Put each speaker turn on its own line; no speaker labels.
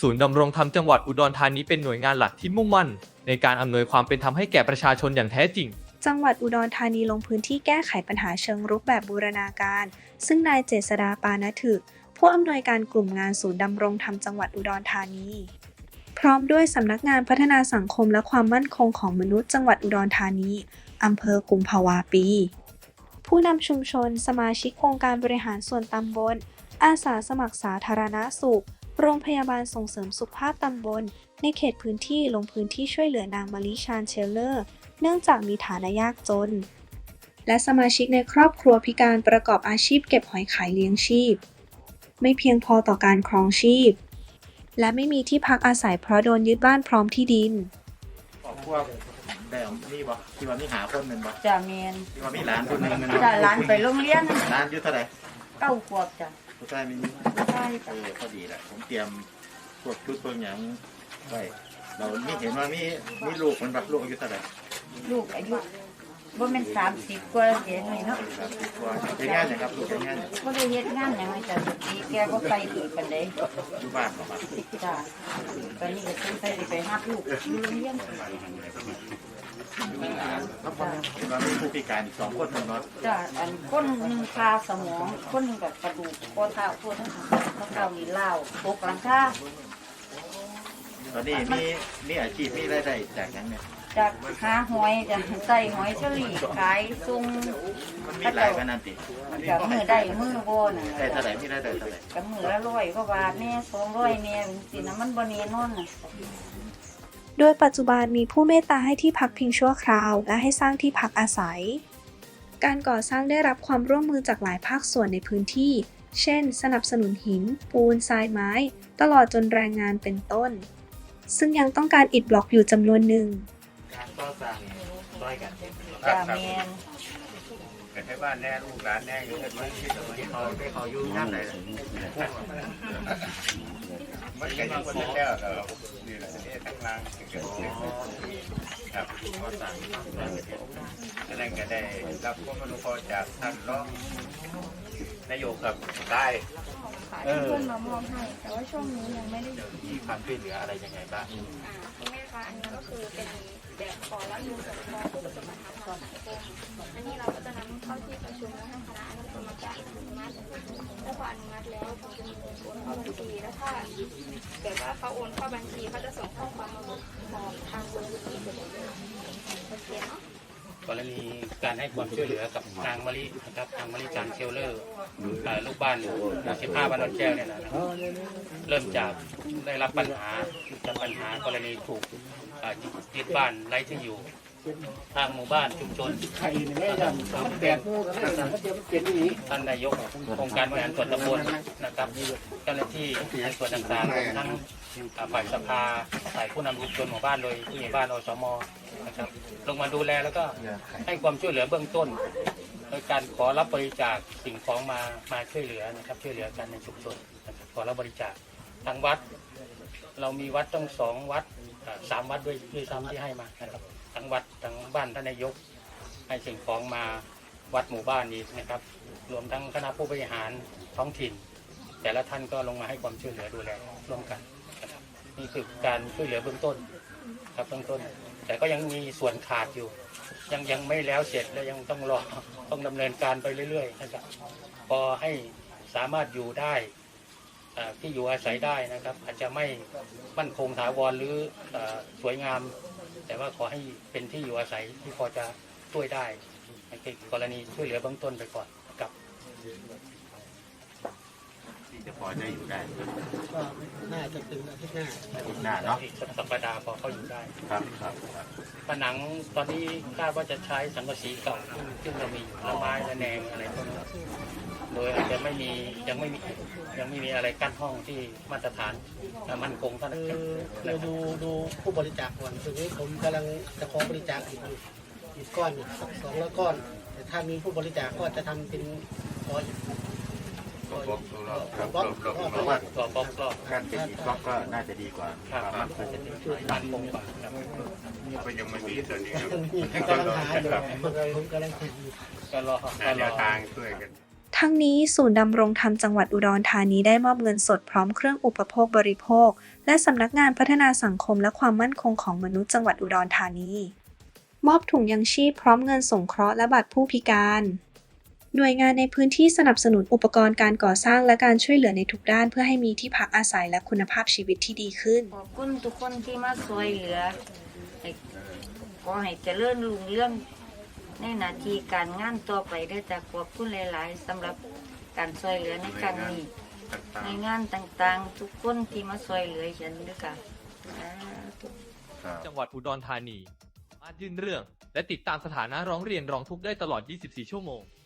ศูนย์ดำรงธรรมจังหวัดอุดรธานีเป็นหน่วยงานหลักที่มุ่งมั่นในการอำนวยความเป็นธรรมให้แก่ประชาชนอย่างแท้จริง
จังหวัดอุดรธานีลงพื้นที่แก้ไขปัญหาเชิงรุกแบบบูรณาการซึ่งนายเจษฎา ปานถึกผู้อำนวยการกลุ่มงานศูนย์ดำรงธรรมจังหวัดอุดรธานีพร้อมด้วยสำนักงานพัฒนาสังคมและความมั่นคงของมนุษย์จังหวัดอุดรธานีอำเภอกุมภาวาปีผู้นำชุมชนสมาชิกองค์การบริหารส่วนตำบลอาสาสมัครสาธารณสุขโรงพยาบาลส่งเสริมสุขภาพตำบลในเขตพื้นที่ลงพื้นที่ช่วยเหลือนางมะลิชาญเชลเลอร์เนื่องจากมีฐานะยากจนและสมาชิกในครอบครัวพิการประกอบอาชีพเก็บหอยขายเลี้ยงชีพไม่เพียงพอต่อการครองชีพและไม่มีที่พักอาศัยเพราะโดนยึดบ้านพร้อมที่ดิน
พวกแต่นี่บ่ที่ว่ามีหาคนหนึ่งบ่
จ้ะเมน
ที่ว่ามีหลานคนหนึ่งมัน
จ้ะหลานไปโรงเรียน
หลานอยู่เท่าไหร่
9 ขวบจ้ะ
ผู้ชายมี
ใช่
พอดีแหละผมเตรียมพวกชุดพวกอย่างไว้เรามีเห็นว่ามีลูกมันแบบลูกอายุเท่าไหร่
ลูกอายุบ่แม่น30 กว่าเดี๋ยวนี้เนาะ
30 กว่าเฮ็ดงานหยังครับลูกเฮ็ดงานหยัง
บ่ได้เฮ็ดงานหยังจ้ะปีแกบ่ไปอีกปานใด
อยู่บ้านบ่ครับ
จ้ะตอนนี้ก็ต้องไปรับลูกอยู่โรงเรียน
เรามีผู้พิการอีก2 คนเนาะ
จ้ะอันคนหนึงคาสมองคนหนึงก็กระดูกข้อเท้าข้อเท้านี่ล้าวตกหลังคา
ตอนนี้มีอาชีพมีรายได้จากหยังเนี่ย
จากหาหอยจ้ะใส่หอยเชอรี่ขายส่ง
มันมีหลายขนาดติ
จากมือได้มือบ่น่ะ
ได้เท่าไหร่มีรายได้เท่าไหร่
กับมือละ100 กว่าบาทแน่200แน่สินะมันบ่แน่นอนน่ะ
โดยปัจจุบันมีผู้เมตตาให้ที่พักพิงชั่วคราวและให้สร้างที่พักอาศัยการก่อสร้างได้รับความร่วมมือจากหลายภาคส่วนในพื้นที่เช่นสนับสนุนหินปูนทรายไม้ตลอดจนแรงงานเป็นต้นซึ่งยังต้องการอิฐบล็อกอยู่จำนวนหนึ่ง
การก่อสร้างช่วยกัน
จ้าแมน
แต่ให้บ้านแน่ลูกหลานแน่อยู่กันมันที่เขาอยู่ย่านไหนมันก็ยังคนแล้วนี่แหละนี่ทั้งล่างเกิดครับก่อสร้างนั่นก็ได้รับความอนุเคราะห์จากท่านรองนายกครับได้
เพื่อนมามอบให้แต่ว่าช่วงนี้ยังไม่ได้
มีความช่วยเหลืออะไรยังไงบ้าง
คุณแม่คะอันนี้ก็คือเป็นแบบขอรับมือกับผู้ประสบปัญหาทางสังคมอันนี้เราก็จะนำเข้าที่ประชุมและให้คณะอนุกรรมการอนุมัติแล้วพออนุมัติแล้วเขาจะมีเงินโอนเข้าบัญชีแล้วถ้าแบบว่าเขาโอนเข้าบัญชีเขาจะส่งข้อความมาบอกทางเบอร์ที่จะเป็นโอเคเนาะ
กรณีการให้ความช่วยเหลือกับนางมะลินะครับนางมะลิจันเชลเลอร์ลูกบ้าน15 บ้านนนแก้วเนี่ยนะเริ่มจากได้รับปัญหากรณีถูกยึดบ้านไร้ที่อยู่ทางหมู่บ้านชุมชนท่านนายกองค์การบริหารส่วนตำบลนะครับเจ้าหน้าที่ในส่วนต่างๆทั้งฝ่ายสภาฝ่ายผู้นำชุมชนหมู่บ้านโดยผู้ใหญ่บ้านอสม.นะครับลงมาดูแลแล้วก็ให้ความช่วยเหลือเบื้องต้นโดยการขอรับบริจาคสิ่งของมาช่วยเหลือนะครับช่วยเหลือกันในชุมชนนะครับขอรับบริจาคทางวัดเรามีวัดต้อง2 วัด3 วัดด้วยซ้ำที่ให้มานะครับทั้งวัดทั้งบ้านท่านนายกให้สิ่งของมาวัดหมู่บ้านนี้นะครับรวมทั้งคณะผู้บริหารท้องถิ่นแต่ละท่านก็ลงมาให้ความช่วยเหลือดูแลร่วมกันนะครับนี่คือการช่วยเหลือเบื้องต้นครับเบื้องต้นแต่ก็ยังมีส่วนขาดอยู่ยังไม่แล้วเสร็จและยังต้องดำเนินการไปเรื่อยๆนะครับพอให้สามารถอยู่ได้ที่อยู่อาศัยได้นะครับอาจจะไม่มั่นคงถาวรหรือสวยงามแต่ว่าขอให้เป็นที่อยู่อาศัยที่พอจะช่วยได้ในกรณีช่วยเหลือเบื้องต้นไปก่อนกับ
ที่จะพอจะอยู่ได้
ก็น่าจะเป็นอาทิตย์ห
น้าเนาะ
อีกสัปดาห์พอเขาอยู่ได้
ครับ
ผนังตอนนี้คาดว่าจะใช้สังกะสีเก่าซึ่งเรามีละไม้ละแนงอะไรพวกนี้โดยอาจจะยังไม่มีอะไรกั้นห้องที่มาตรฐานมั่นคงเท่านั้น
เราดูผู้บริจาคก่อนทีนี้ผมกำลังจะขอบริจาคอีกก้อน200 ก้อนแต่ถ้ามีผู้บริจาคก็จะทำเป็นขออีก
บล็อกการเป็นอีกบล็อกก็น่าจะดีกว่า
มันคงจะมั่นคงกว่า
ก็ยังไม่มีตัวนี้
กำลังหาอยู่ผมกำลังหาอยู่
ก็รอ
ทางช่วยกัน
ทั้งนี้ศูนย์ดำรงธรรมจังหวัดอุดรธานีได้มอบเงินสดพร้อมเครื่องอุปโภคบริโภคและสำนักงานพัฒนาสังคมและความมั่นคงของมนุษย์จังหวัดอุดรธานี มอบถุงยังชีพพร้อมเงินสงเคราะห์และบัตรผู้พิการ หน่วยงานในพื้นที่สนับสนุนอุปกรณ์การก่อสร้างและการช่วยเหลือในทุกด้านเพื่อให้มีที่พักอาศัยและคุณภาพชีวิตที่ดีขึ้น
ขอบคุณทุกคนที่มาช่วยเหลือให้ขอให้เจริญรุ่งเรื่องในหน้าที่การงานต่อไปได้จากขอบคุณหลายๆสำหรับการช่วยเหลือในครั้งนี้ในงานต่างๆทุกคนที่มาช่วยเหลือฉันด้วยค่ะ
จังหวัดอุดรธานีสามารถยื่นเรื่อง และติดตามสถานะร้องเรียนร้องทุกข์ได้ตลอด 24 ชั่วโมง